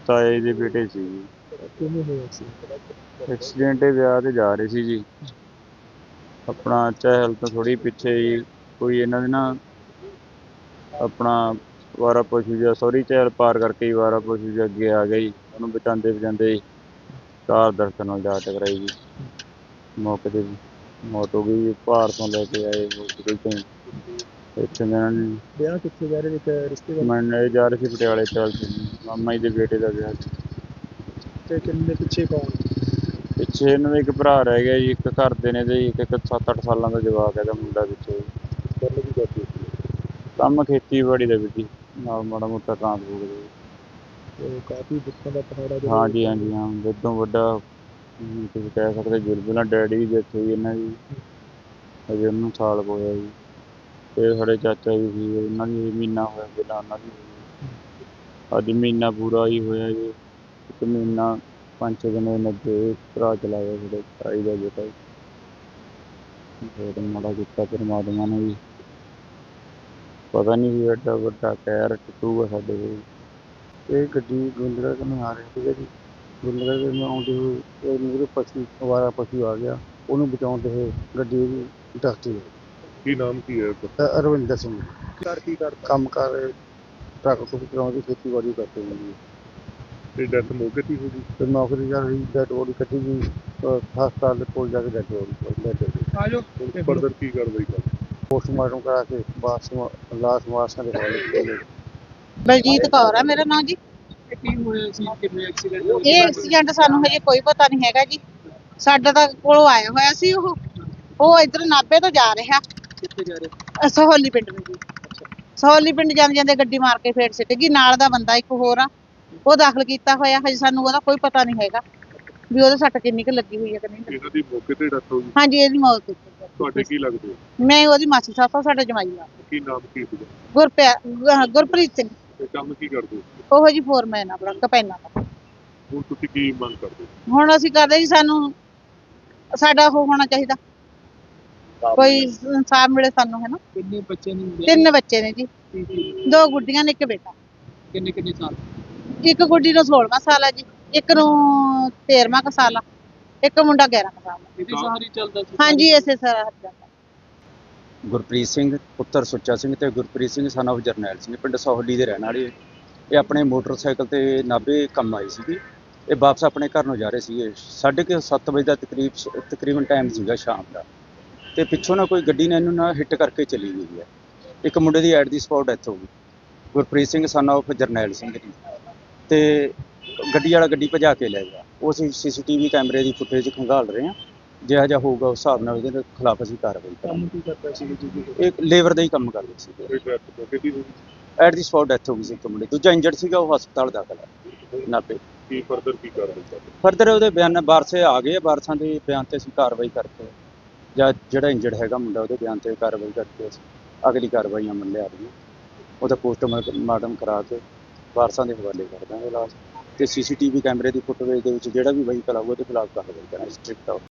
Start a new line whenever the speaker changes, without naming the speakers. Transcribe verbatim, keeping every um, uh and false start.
ਤਾਏ ਦੇ ਬੇਟੇ ਸੀ ਜੀ।
ਕਿਵੇਂ ਹੋਇਆ ਸੀ?
ਐਕਸੀਡੈਂਟ ਇਹ ਵਿਆਹ ਤੇ ਜਾ ਰਹੇ ਸੀ ਜੀ। ਆਪਣਾ ਚਹਿਲ ਤੋਂ ਥੋੜੀ ਪਿੱਛੇ ਜੀ ਕੋਈ ਇਹਨਾਂ ਦੇ ਨਾ ਆਪਣਾ ਵਾਰਾ ਪਸ਼ੂ ਜਿਹਾ ਸੋਰੀ ਚਹਿਲ ਪਾਰ ਕਰਕੇ ਹੀ ਵਾਰਾ ਪਸ਼ੂ ਜਿਹਾ ਅੱਗੇ ਆ ਗਿਆ ਜੀ। ਉਹਨੂੰ ਬਚਾਉਂਦੇ ਬਚਾਉਂਦੇ ਜੀ ਕਾਰ ਦਰਖਤ ਨਾਲ ਜਾ ਟਕਰਾਈ ਜੀ। ਮੌਕੇ ਤੇ ਮੌਤ ਹੋ ਗਈ ਜੀ। ਭਾਰ ਤੋਂ ਲੈ ਕੇ ਆਏ ਹੌਸਪੀਟਲ ਤੋਂ ਇੱਥੇ ਇਹਨਾਂ ਨੇ
ਵਿਆਹ ਕਿੱਥੇ ਜਾ ਰਹੇ ਨੇ? ਰਿਸ਼ਤੇਦਾਰ?
ਮੈਂ ਜਾ ਰਹੇ ਸੀ ਪਟਿਆਲੇ ਚੱਲ ਸੀ ਮਾਮਾ ਜੀ ਦੇ ਬੇਟੇ ਦਾ ਵਿਆਹ ਸੀ।
ਤੇ ਕਿੰਨੇ ਪਿੱਛੇ ਕੌਣ?
ਪਿੱਛੇ ਇਹਨਾਂ ਦਾ ਇੱਕ ਭਰਾ ਰਹਿ ਗਿਆ ਜੀ। ਇੱਕ ਘਰ ਦੇ ਨੇ ਤੇ ਇੱਕ ਇੱਕ ਸੱਤ ਅੱਠ ਸਾਲਾਂ ਦਾ ਜਵਾਕ ਇਹਦਾ ਮੁੰਡਾ ਪਿੱਛੇ।
ਗੱਲ ਕੀ ਕਰਦੀ ਸੀ?
ਕੰਮ ਖੇਤੀਬਾੜੀ ਦਾ ਵੀ ਜੀ ਨਾਲ ਮਾੜਾ ਮੋਟਾ ਟਰਾਂਸਪੋਰਟ ਦਾ।
ਤੇ ਕਾਫੀ ਦੁੱਖਾਂ ਦਾ ਪਹਾੜਾ ਜਿਹੜਾ
ਹਾਂਜੀ ਹਾਂਜੀ ਹਾਂ ਵੱਡੋਂ ਵੱਡਾ ਹਮ, ਤੁਸੀਂ ਕਹਿ ਸਕਦੇ ਜ਼ੁਲਮ ਨਾਲ ਡੈਡੀ ਦੀ ਡੈਥ ਹੋਈ ਇਹਨਾਂ ਦੀ ਅਜੇ ਉਹਨੂੰ ਸਾਲ ਕੁ ਹੋਇਆ ਜੀ। ਫਿਰ ਸਾਡੇ ਚਾਚਾ ਜੀ ਸੀ ਉਹਨਾਂ ਦੀ ਮਹੀਨਾ ਹੋਇਆ ਪਹਿਲਾਂ ਉਹਨਾਂ ਦੀ ਹੋਈ। ਅੱਜ ਮਹੀਨਾ ਪੂਰਾ ਹੀ ਹੋਇਆ ਜੀ। ਇੱਕ ਮਹੀਨਾ ਪੰਜ ਛੇ ਦਿਨ ਹੋਏ ਅੱਗੇ ਭਰਾ ਚਲਾ ਗਿਆ ਸਾਡੇ ਤਾਈ ਦਾ ਬੇਟਾ ਜੀ। ਬਹੁਤ ਮਾੜਾ ਕੀਤਾ ਪਰਮਾਤਮਾ ਨੇ ਜੀ। ਪਤਾ ਨਹੀਂ ਸੀ ਐਡਾ ਵੱਡਾ ਕਹਿਰ ਟੁੱਟੂਗਾ ਸਾਡੇ ਕੋਲ। ਇਹ ਗੱਡੀ ਗੁੰਦਰਾ ਤੋਂ ਆ ਰਹੀ ਸੀਗਾ ਜੀ। ਗੁੰਦਰਾ ਤੋਂ ਆਉਂਦੇ ਹੋਏ ਇਹ ਮੇਰੇ ਪਸ਼ੂ ਅਵਾਰਾ ਪਸ਼ੂ ਆ ਗਿਆ। ਉਹਨੂੰ ਬਚਾਉਂਦੇ ਹੋਏ ਗੱਡੀ ਉਹਦੀ ਡਾਕਟਰੀ।
ਕੀ ਨਾਮ ਕੀ ਹੈ?
ਅਰਵਿੰਦਰ ਸਿੰਘ
ਘਰ ਕੀ ਕਰ
ਕੰਮ ਕਰ ਟਰੱਕ ਟੁੱਕ ਚਲਾਉਂਦੇ ਖੇਤੀਬਾੜੀ ਕਰਦੇ ਜੀ।
ਤੇ ਡੈਥ ਮੌਕੇ ਤੇ ਹੀ ਹੋ ਗਈ।
ਤੇ ਨੌਕਰੀ ਕਰ ਰਹੀ ਡੈਡ ਬੋਡੀ ਕੱਢੀ ਗਈ ਹਸਪਤਾਲ ਦੇ ਕੋਲ ਜਾ ਕੇ ਡੈਡ ਬੋਡੀ
ਆਜੋ ਫਰਦਰ ਕੀ ਕਾਰਵਾਈ ਕਰ?
ਪੋਸਟਮਾਰਟਮ ਕਰਾ ਕੇ ਬਾਸ ਲਾਸ਼ ਵਾਰਸਾਂ ਦੇ ਹਵਾਲੇ ਕੀਤੇ।
ਬਲਜੀਤ ਕੌਰ ਆ ਮੇਰਾ ਨਾਮ ਜੀ।
ਕੀ ਹੋਇਆ ਸੀ? ਕਿਵੇਂ ਐਕਸੀਡੈਂਟ?
ਇਹ ਐਕਸੀਡੈਂਟ ਸਾਨੂੰ ਹਜੇ ਕੋਈ ਪਤਾ ਨਹੀਂ ਹੈਗਾ ਜੀ। ਸਾਡਾ ਤਾਂ ਕੋਲੋਂ ਆਇਆ ਹੋਇਆ ਸੀ ਉਹ ਉਹ ਇਧਰ ਨਾਭੇ ਤੋਂ ਜਾ ਰਿਹਾ
ਕਿੱਥੇ ਜਾ ਰਹੇ?
ਅ, ਸਹੌਲੀ ਪਿੰਡ ਨੂੰ ਜੀ। ਸਹੌਲੀ ਪਿੰਡ ਜਾਂਦੇ ਜਾਂਦੇ ਗੱਡੀ ਮਾਰ ਕੇ ਫੇਰ ਸਿੱਟ ਗਈ। ਨਾਲ ਦਾ ਬੰਦਾ ਇੱਕ ਹੋਰ ਆ ਉਹ ਦਾਖਲ ਕੀਤਾ ਹੋਇਆ। ਹਜੇ ਸਾਨੂੰ ਉਹਦਾ ਕੋਈ ਪਤਾ ਨਹੀਂ ਹੈਗਾ ਵੀ ਉਹਦੇ ਸੱਟ ਕਿੰਨੀ ਕੁ ਲੱਗੀ ਹੋਈ ਹੈ ਕਿ ਨਹੀਂ।
ਇਹਨਾਂ ਦੀ ਮੌਕੇ ਤੇ ਡੈਥ ਹੋ ਗਈ।
ਹਾਂਜੀ ਇਹਦੀ ਮੌਤ ਹੋਈ ਹੈ।
ਤੁਹਾਡੇ ਕੀ ਲੱਗਦੇ ਹੋ?
ਮੈਂ ਉਹਦੀ ਮਾਸੀ ਸਾਸਾ ਸਾਡਾ ਜਮਾਈ ਆ
ਕੀ ਨਾਮ ਕੀ ਸੀਗਾ?
ਗੁਰਪਿਆ ਗੁ- ਗੁਰਪ੍ਰੀਤ ਸਿੰਘ।
ਤੇ ਕੰਮ ਕੀ ਕਰਦੇ ਹੋ?
ਉਹੋ ਜੀ ਫੋਰਮੈਨ ਆਪਣਾ ਕਪੈਨਾ ਦਾ।
ਹੁਣ ਤੁਸੀਂ ਕੀ ਮੰਗ ਕਰਦੇ ਹੋ?
ਹੁਣ ਅਸੀਂ ਕਰਦੇ ਜੀ ਸਾਨੂੰ ਸਾਡਾ ਉਹ ਹੋਣਾ ਚਾਹੀਦਾ ਕੋਈ ਇਨਸਾਫ ਮਿਲੇ ਸਾਨੂੰ ਹੈ ਨਾ।
ਕਿੰਨੇ ਬੱਚੇ ਨੇ?
ਤਿੰਨ ਬੱਚੇ ਨੇ ਜੀ। ਦੋ ਗੁੱਡੀਆਂ ਨੇ ਇੱਕ ਬੇਟਾ।
ਕਿੰਨੇ ਕਿੰਨੇ ਸਾਲ?
ਇੱਕ ਗੁੱਡੀ ਨੂੰ ਸੋਲਵਾਂ ਸਾਲ ਆ ਜੀ। ਇੱਕ ਨੂੰ ਤੇਰਵਾਂ ਕੁ ਸਾਲ ਆ। ਇੱਕ ਮੁੰਡਾ ਗਿਆਰਾਂ ਕੁ ਸਾਲ ਦਾ।
ਇਹਦੀ ਸਹਾਰੀ ਚੱਲਦਾ ਸੀ?
ਹਾਂਜੀ ਇਸੇ ਸਾਰਾ ਜਾਂਦਾ।
ਗੁਰਪ੍ਰੀਤ ਸਿੰਘ ਪੁੱਤਰ ਸੁੱਚਾ ਸਿੰਘ ਤੇ ਗੁਰਪ੍ਰੀਤ ਸਿੰਘ son of ਜਰਨੈਲ ਸਿੰਘ ਪਿੰਡ ਸਹੌਲੀ ਦੇ ਰਹਿਣ ਵਾਲੇ। ਇਹ ਆਪਣੇ ਮੋਟਰਸਾਈਕਲ ਤੇ ਨਾਭੇ ਕੰਮ ਆਏ ਸੀਗੇ। ਇਹ ਵਾਪਸ ਆਪਣੇ ਘਰ ਨੂੰ ਜਾ ਰਹੇ ਸੀਗੇ। ਸਾਢੇ ਕੁ ਸੱਤ ਵਜੇ ਦਾ ਤਕਰੀਬ ਤਕਰੀਬਨ ਟਾਈਮ ਸੀਗਾ ਸ਼ਾਮ ਦਾ। ਤੇ ਪਿੱਛੋਂ ਨਾ ਕੋਈ ਗੱਡੀ ਨੇ ਇਹਨੂੰ ਨਾ ਹਿੱਟ ਕਰਕੇ ਚਲੀ ਗਈ ਹੈ। ਇੱਕ ਮੁੰਡੇ ਦੀ ਐਟ ਦੀ ਸਪੌਟ ਡੈਥ ਹੋ ਗਈ ਗੁਰਪ੍ਰੀਤ ਸਿੰਘ son of ਜਰਨੈਲ ਸਿੰਘ ਦੀ। ਤੇ ਗੱਡੀ ਵਾਲਾ ਗੱਡੀ ਭਜਾ ਕੇ ਲੈ ਗਿਆ। ਉਹ ਅਸੀਂ ਸੀ ਸੀ ਟੀ ਵੀ ਕੈਮਰੇ ਦੀ ਫੁਟੇਜ ਖੰਗਾਲ ਰਹੇ ਹਾਂ। ਜਿਹੜਾ ਜਿਹਾ ਹੋਊਗਾ ਉਸ ਹਿਸਾਬ ਨਾਲ ਉਹਦੇ ਖਿਲਾਫ ਅਸੀਂ ਕਾਰਵਾਈ ਕਰਾਂਗੇ।
ਕੰਮ ਕੀ ਕਰਦਾ ਸੀ ਜੀ?
ਇਹ ਲੇਬਰ ਦਾ ਹੀ ਕੰਮ ਕਰਦੇ ਸੀ।
ਕੋਈ ਡੈਥ ਮੌਕੇ ਤੇ ਹੀ ਹੋ
ਐਟ ਦੀ ਸਪੌਟ ਡੈਥ ਹੋ ਗਈ ਸੀ ਇੱਕ ਮੁੰਡੇ। ਦੂਜਾ ਇੰਜਰਡ ਸੀਗਾ ਉਹ ਹਸਪਤਾਲ ਦਾਖਲ ਹੈ ਨਾਭੇ।
ਗਈ। ਕੀ ਫਰਦਰ ਕੀ ਕਾਰਵਾਈ ਕਰਦੇ?
ਫਰਦਰ ਉਹਦੇ ਬਿਆਨ ਵਾਰਸੇ ਆ ਗਏ ਆ। ਵਾਰਸਾਂ ਦੇ ਬਿਆਨ ਤੇ ਅਸੀਂ ਕਾਰਵਾਈ ਕਰਕੇ ਜਾਂ ਜਿਹੜਾ ਇੰਜਰਡ ਹੈਗਾ ਮੁੰਡਾ ਉਹਦੇ ਬਿਆਨ ਤੇ ਕਾਰਵਾਈ ਕਰਕੇ ਅਸੀਂ ਅਗਲੀ ਕਾਰਵਾਈਆਂ ਅਮਲ ਲਿਆ ਰਹੀਆਂ। ਉਹਦਾ ਪੋਸਟਮਾਰਟਮ ਕਰਾ ਕੇ ਵਾਰਸਾਂ ਦੇ ਹਵਾਲੇ ਕਰ ਦਾਂਗੇ ਲਾਸ਼। ਤੇ ਸੀ ਸੀ ਟੀ ਵੀ ਕੈਮਰੇ ਦੀ ਫੁਟੇਜ ਦੇ ਵਿੱਚ ਜਿਹੜਾ ਵੀ ਵਹੀਕਲ ਆਊਗਾ ਉਹਦੇ ਖਿਲਾਫ ਕਾਰਵਾਈ ਕਰਾਂਗੇ ਸਟ੍ਰਿਕਟ